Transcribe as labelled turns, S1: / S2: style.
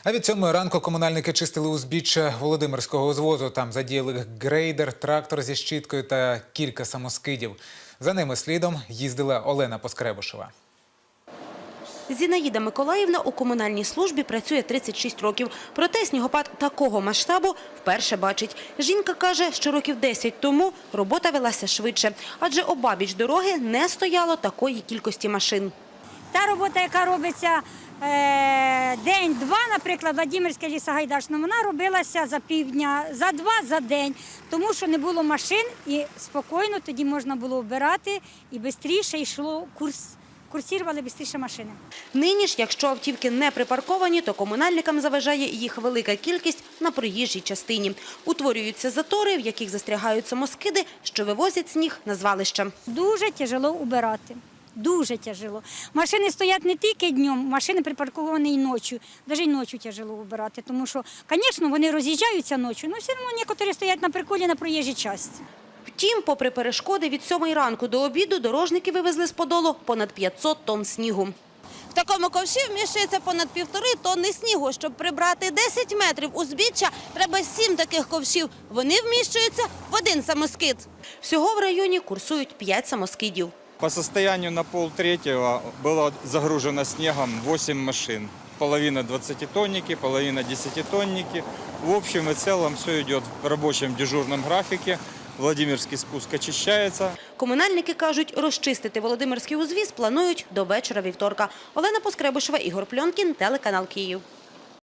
S1: А від 7 ранку комунальники чистили узбіччя Володимирського узвозу. Там задіяли грейдер, трактор зі щіткою та кілька самоскидів. За ними слідом їздила Олена Поскребушева.
S2: Зінаїда Миколаївна у комунальній службі працює 36 років. Проте снігопад такого масштабу вперше бачить. Жінка каже, що років 10 тому робота велася швидше, адже обабіч дороги не стояло такої кількості машин.
S3: Та робота, яка робиться день-два, наприклад, Владимирське лісогайдачне, вона робилася за півдня, за два, за день, тому що не було машин і спокійно тоді можна було вбирати і швидше йшло курсували швидше машини.
S2: Нині ж, якщо автівки не припарковані, то комунальникам заважає їх велика кількість на проїжджій частині. Утворюються затори, в яких застрягають самоскиди, що вивозять сніг на звалища.
S3: Дуже тяжело убирати. Дуже тяжело. Машини стоять не тільки днем, машини припарковані і ночі. Навіть і ночі тяжело убирати, тому що, звісно, вони роз'їжджаються ночі, але все одно некоторі стоять на приколі на проїжджій частині.
S2: Втім, попри перешкоди, від 7 ранку до обіду дорожники вивезли з Подолу понад 500 тонн снігу. В такому ковші вміщується понад 1,5 тонни снігу. Щоб прибрати 10 метрів узбіччя, треба 7 таких ковшів. Вони вміщуються в один самоскид. Всього в районі курсують 5 самоскидів.
S4: По состоянию на 2:30 было загружено снегом 8 машин. Половина 20-тонники, половина 10-тонники. В общем и целом все идет в рабочем дежурном графике. Владимирский спуск очищается.
S2: Комунальники кажуть, розчистити Володимирський узвіз планують до вечора вівторка. Олена Поскребушева, Ігор Пльонкін, телеканал Київ.